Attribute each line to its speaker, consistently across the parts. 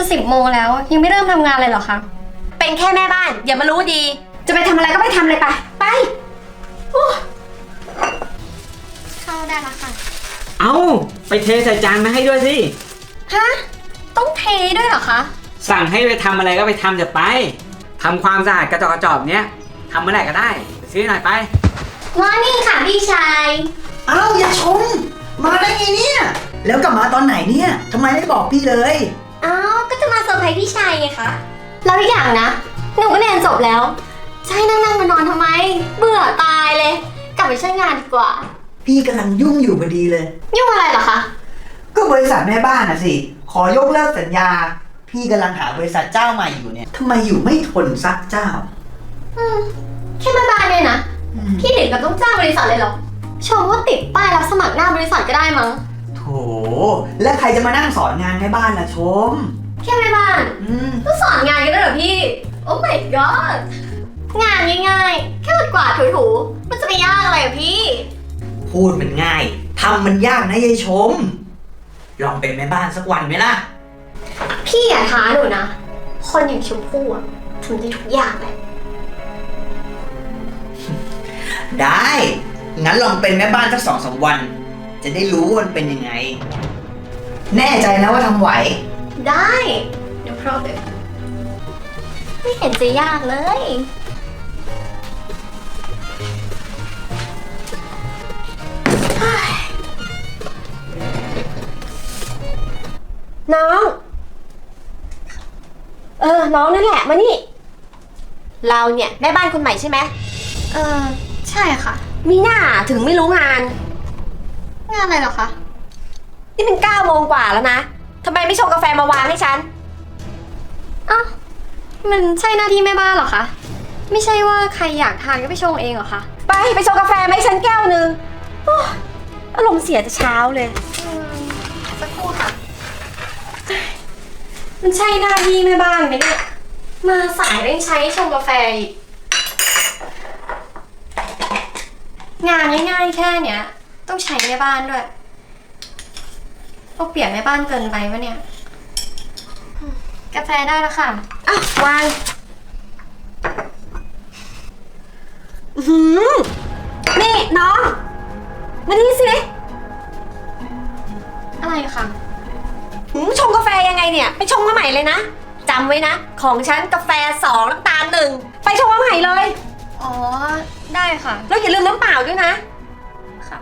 Speaker 1: 10 โมงแล้วยังไม่เริ่มทำงานเลยเหรอคะ
Speaker 2: เป็นแค่แม่บ้านอย่ามารู้ดีจะไปทำอะไรก็ไปทำเลยไป
Speaker 1: เข้าได้แล้วค่ะ
Speaker 3: เอาไปเทใส่จานมาให้ด้วยสิ
Speaker 1: ฮะต้องเทด้วยเหรอคะ
Speaker 3: สั่งให้ไปทำอะไรก็ไปทำจะไปทำความสะอาดกระจอกเนี้ยทำเมื่อไหร่ก็ได้ไปซื้อหน่อยไป
Speaker 1: ว่านี่ค่ะพี่ชาย
Speaker 4: อ้าวอย่าชมมาได้ไงเนี่ยแล้วกลับมาตอนไหนเนี่ยทำไมไม่บอกพี่เลย
Speaker 1: อ้าวก็จะมาเซอร์ไพรส์พี่ชายไงคะแล้วอีกอย่างนะหนูก็เรียนจบแล้วจะให้นั่งมานอนทำไมเบื่อตายเลยกลับไปช่วยงานดีกว่า
Speaker 4: พี่กำลังยุ่งอยู่พอดีเลย
Speaker 1: ยุ่งอะไรเหรอคะ
Speaker 4: ก็บริษัทแม่บ้านน่ะสิขอยกเลิกสัญญาพี่กำลังหาบริษัทเจ้าใหม่อยู่เนี่ยทำไมอยู่ไม่ทนซักเจ้า
Speaker 1: แค่แม่บ้านเนี่ยนะพี่เด็กกับต้องจ้างบริษัทเลยเหรอชมว่าติดป้ายรับสมัครหน้าบริษัทก็ได้มั้ง
Speaker 4: โถแล้วใครจะมานั่งสอนงานแม่บ้านล่ะชม
Speaker 1: แค่แม่บ้านก็สอนงานกันได้เหรอพี่โอ้ my god งานง่ายๆแค่กวาดถูๆมันจะไปยากอะไรอะพี่
Speaker 4: พูดมันง่ายทำมันยากนะยายชมลองเป็นแม่บ้านสักวันไหมล่ะ
Speaker 1: พี่อย่าท้าหนูนะคนอย่างชมพู่อะทำได้ทุกอย่างเลย
Speaker 4: ได้งั้นลองเป็นแม่บ้านสัก2-3 วันจะได้รู้ว่ามันเป็นยังไงแน่ใจนะว่าทำไหว
Speaker 1: ได้เดี๋ยวพร้อมเลยไม่เห็นจะยากเลย
Speaker 2: น้องน้องนั่นแหละมานี่เราเนี่ยแม่บ้านคนใหม่ใช่ไหม
Speaker 1: ใช่ค่ะ
Speaker 2: มีหน้าถึงไม่รู้งาน
Speaker 1: อะไรเหรอคะ
Speaker 2: นี่เป็น9 โมงกว่าแล้วนะทำไมไม่ชงกาแฟมาวางให้ฉัน
Speaker 1: อ้าวมันใช่หน้าที่แม่บ้านเหรอคะไม่ใช่ว่าใครอยากทานก็ไปชงเองเหรอคะ
Speaker 2: ไปชงกาแฟไหมฉันแก้วนึงอารมณ์เสียแต่เช้าเลย
Speaker 1: สักครู่ค่ะมันใช่หน้าที่แม่บ้านไหมเนี่ยมาสายเร่งใช้ชงกาแฟอีกงานง่ายๆแค่เนี้ยต้องใช้แม่บ้านด้วยเอาเปรียบแม่บ้านเกินไปวะเนี่ยกาแฟได้แล้วค่ะ
Speaker 2: วางนี่น้องมานี่สิ
Speaker 1: อะไรคะ
Speaker 2: ชงกาแฟยังไงเนี่ยไปชงมาใหม่เลยนะจำไว้นะของฉันกาแฟ2น้ำตาล1ไปชงมาใหม่เลย
Speaker 1: อ๋อได้ค่ะ
Speaker 2: แล้วอย่าลืมน้ำเปล่าด้วยนะ
Speaker 1: ค่ะ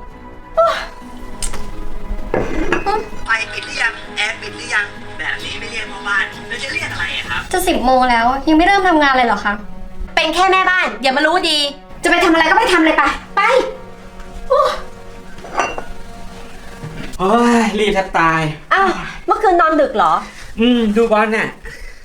Speaker 4: ไฟปิดหรือยังแอร์ปิดหรือยังแบบนี้ไม่เรียกพ่อบ้านแล้วจะเรียกอะไรครับ
Speaker 1: จะ10 โมงแล้วยังไม่เริ่มทำงานเลยเหรอคะ
Speaker 2: เป็นแค่แม่บ้านอย่ามารู้ดีจะไปทำอะไรก็ไปทำเลยไป
Speaker 3: โอ้ยรีบแทบตาย
Speaker 2: เมื่อคืนนอนดึกเหรอ
Speaker 3: ดูบอลน่ะ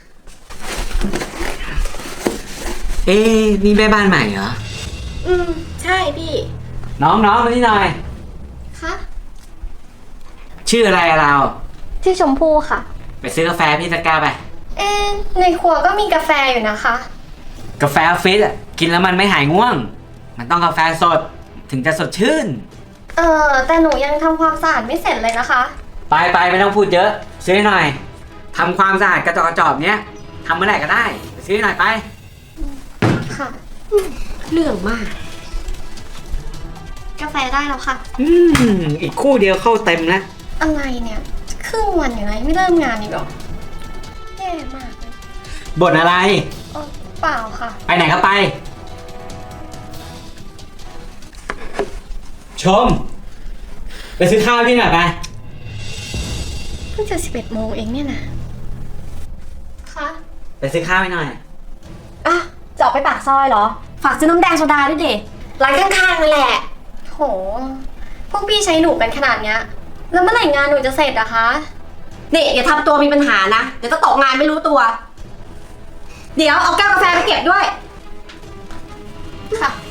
Speaker 3: นี่แม่บ้านใหม่เหรอ
Speaker 2: ใช่พี่
Speaker 3: น้องมานี่หน่อย
Speaker 1: คะ
Speaker 3: ชื่ออะไรเรา
Speaker 1: ชื่อชมพู่ค่ะ
Speaker 3: ไปซื้อกาแฟพี่ตะกร้าไป
Speaker 1: ในครัวก็มีกาแฟอยู่นะคะ
Speaker 3: กาแฟออฟฟิศกินแล้วมันไม่หายง่วงมันต้องกาแฟสดถึงจะสดชื่น
Speaker 1: แต่หนูยังทำความสะอาดไม่เสร็จเลยนะคะ
Speaker 3: ไปไม่ต้องพูดเยอะซื้อหน่อยทำความสะอาดกระจอกเนี้ยทำเมื่อไหร่ก็ได้ไปซื้อหน่อยไป
Speaker 1: ค่ะ
Speaker 2: เรื่องมาก
Speaker 1: กาแฟได้แล้วค่ะ
Speaker 3: อีกคู่เดียวเข้าเต็มแล้ว
Speaker 1: อะไรเนี่ยครึ่งวันอยู่ไหนไม่เริ่มงานอีกหรอแย่มากเลย
Speaker 3: บ่นอะไร
Speaker 1: เปล่าค่ะ
Speaker 3: ไปไหนก็ไปชมไปซื้อข้าวที่ไหนไป
Speaker 1: เพิ่งจะ11 โมงเองเนี่ยนะค่ะ
Speaker 3: ไปซื้อข้าวให้หน่อย
Speaker 2: จะออกไปปากซอยเหรอฝากซื้อน้ำแดงโซดาด้วยดิร้านข้างๆนั่นแหละ
Speaker 1: โหพวกพี่ใช้หนูกันขนาดเนี้ยแล้วเมื่อไหร่งานหนูจะเสร็จอะคะ
Speaker 2: นี่อย่าทำตัวมีปัญหานะเดี๋ยวจะตกงานไม่รู้ตัวเดี๋ยวเอาแก้วกาแฟไปเก็บด้วย
Speaker 1: ค่ะ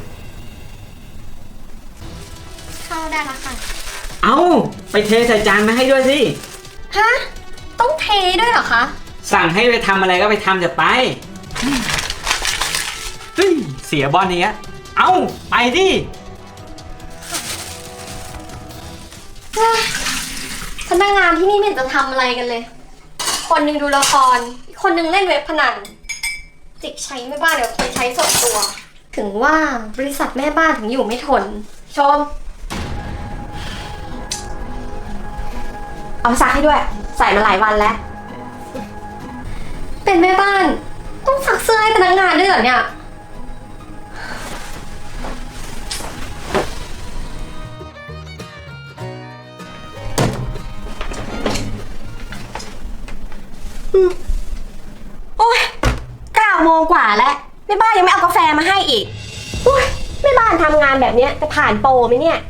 Speaker 1: เข้าได้แล้วค่ะ
Speaker 3: เอาไปเทใส่จานมาให้ด้วยสิ
Speaker 1: ฮะต้องเทด้วยเหรอคะ
Speaker 3: สั่งให้ไปทำอะไรก็ไปทำจะไปเสียบอลเนี้ยเอาไปดิ
Speaker 1: พนักงานที่นี่ไม่เห็นจะทำอะไรกันเลยคนหนึงดูละคร อีกคนหนึงเล่นเว็บพนัน จิกใช้แม่บ้านเดี๋ยวคนใช้ส่วนตัว ถึงว่าบริษัทแม่บ้านถึงอยู่ไม่ทน ชม
Speaker 2: เอาซักให้ด้วย ใส่มาหลายวันแล้ว
Speaker 1: เป็นแม่บ้าน ต้องซักเสื้อให้พนักงานด้วยเหรอเนี่ย
Speaker 2: โอ้ย9 โมงกว่าแล้วแม่บ้านยังไม่เอากาแฟมาให้อีกโอ้ยแม่บ้านทำงานแบบเนี้ยจะผ่านโปรไหมเนี่ย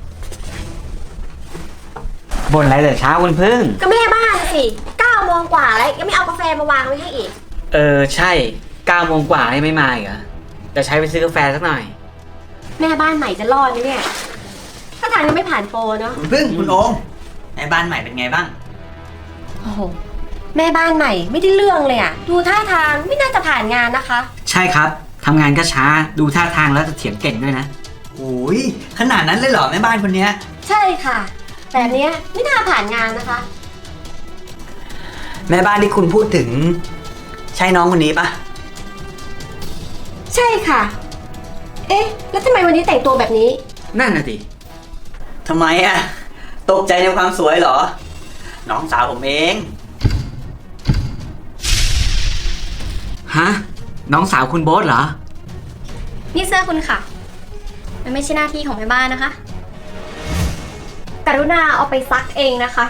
Speaker 3: บ่นอะไรแต่เช้าคุณพึ่ง
Speaker 2: ก็แม่บ้านสิ9 โมงกว่าแล้วยังไม่เอากาแฟมาวางไว้ให้อีก
Speaker 3: ใช่9 โมงกว่ายังไม่มาอีกเหรอจะใช้ไปซื้อกาแฟสักหน่อย
Speaker 2: แม่บ้านใหม่จะรอดไหมเนี่ย ถ้าทางยังไม่ผ่านโปรเนาะ
Speaker 4: คุณพึ่งคุณโอมแม่บ้านใหม่เป็นไงบ้าง
Speaker 2: โอ้โหแม่บ้านใหม่ไม่ได้เรื่องเลยอะดูท่าทางไม่น่าจะผ่านงานนะคะ
Speaker 3: ใช่ครับทำงานก็ช้าดูท่าทางแล้วจะเถียงเก่งด้วยนะ
Speaker 4: โอ้ยขนาดนั้นเลยเหรอแม่บ้านคนเนี้ย
Speaker 2: ใช่ค่ะ แบบเนี้ยไม่น่าผ่านงานนะคะ
Speaker 4: แม่บ้านที่คุณพูดถึง ใช่น้องคนนี้ปะ
Speaker 2: ใช่ค่ะ เอ๊ะ แล้วทำไมวันนี้แต่งตัวแบบนี้
Speaker 3: นั่นน่ะสิ
Speaker 4: ทำไมอะตกใจในความสวยเหรอ น้องสาวผมเอง
Speaker 3: ฮะน้องสาวคุณโบ๊ทเหรอ
Speaker 1: นี่เสื้อคุณค่ะ มันไม่ใช่หน้าที่ของแม่บ้านนะคะ กรุณาเอาไปซักเองนะคะ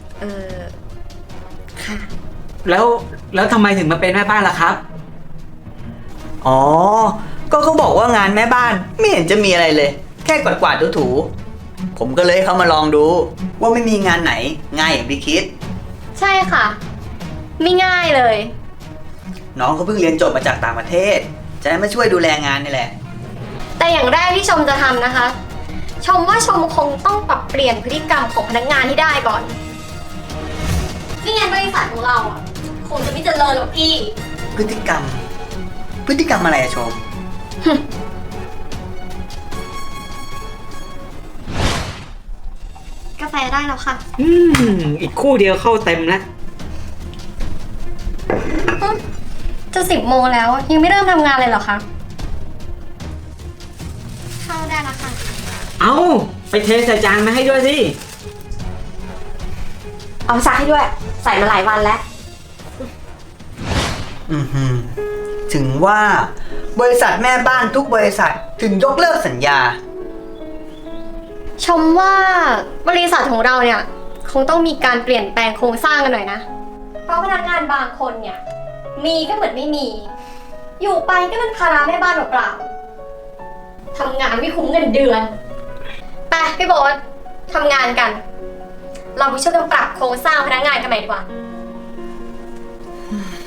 Speaker 2: ค่ะ
Speaker 4: แล้ว
Speaker 3: ทำไมถึงมาเป็นแม่บ้านล่ะครับ
Speaker 4: อ๋อ ก็เขาบอกว่างานแม่บ้านไม่เห็นจะมีอะไรเลย แค่กวาดๆถูๆผมก็เลยเข้ามาลองดู ว่าไม่มีงานไหนง่ายอย่างที่คิด
Speaker 1: ใช่ค่ะ ไม่ง่ายเลย
Speaker 4: น้องเขาเพิ่งเรียนจบมาจากต่างประเทศ จะได้มาช่วยดูแลงานนี่แหละ
Speaker 1: แต่อย่างแรกที่ชมจะทำนะคะ ชมว่าชมคงต้องปรับเปลี่ยนพฤติกรรมของพนักงานให้ได้ก่อนไม่งั้นบริษัทของเราอ่ะคงจะไม่เจริญหรอกพี่
Speaker 4: พฤติกรรมอะไรอะชม
Speaker 1: กาแฟได้แล้วค่ะ
Speaker 3: อีกคู่เดียวเข้าเต็มแล้ว
Speaker 1: จะ10 โมงแล้วยังไม่เริ่มทำงานเลยเหรอคะ เข้าได้แล้วค่ะ
Speaker 3: เอาไปเทใส่จานมาให้ด้วยสิ
Speaker 2: เอาซักให้ด้วย ใส่มาหลายวันแล้ว
Speaker 4: ถึงว่าบริษัทแม่บ้านทุกบริษัทถึงยกเลิกสัญญา
Speaker 1: ชมว่าบริษัทของเราเนี่ยคงต้องมีการเปลี่ยนแปลงโครงสร้างกันหน่อยนะ เพราะพนักงานบางคนเนี่ยมีก็เหมือนไม่มี อยู่ไปก็เป็นภาระแม่บ้านเปล่าๆทำงานไม่คุ้มเงินเดือนไปพี่โบ๊ททำงานกัน เราไปช่วยกันปรับโครงสร้างพนักงานกันใหม่ดีกว่า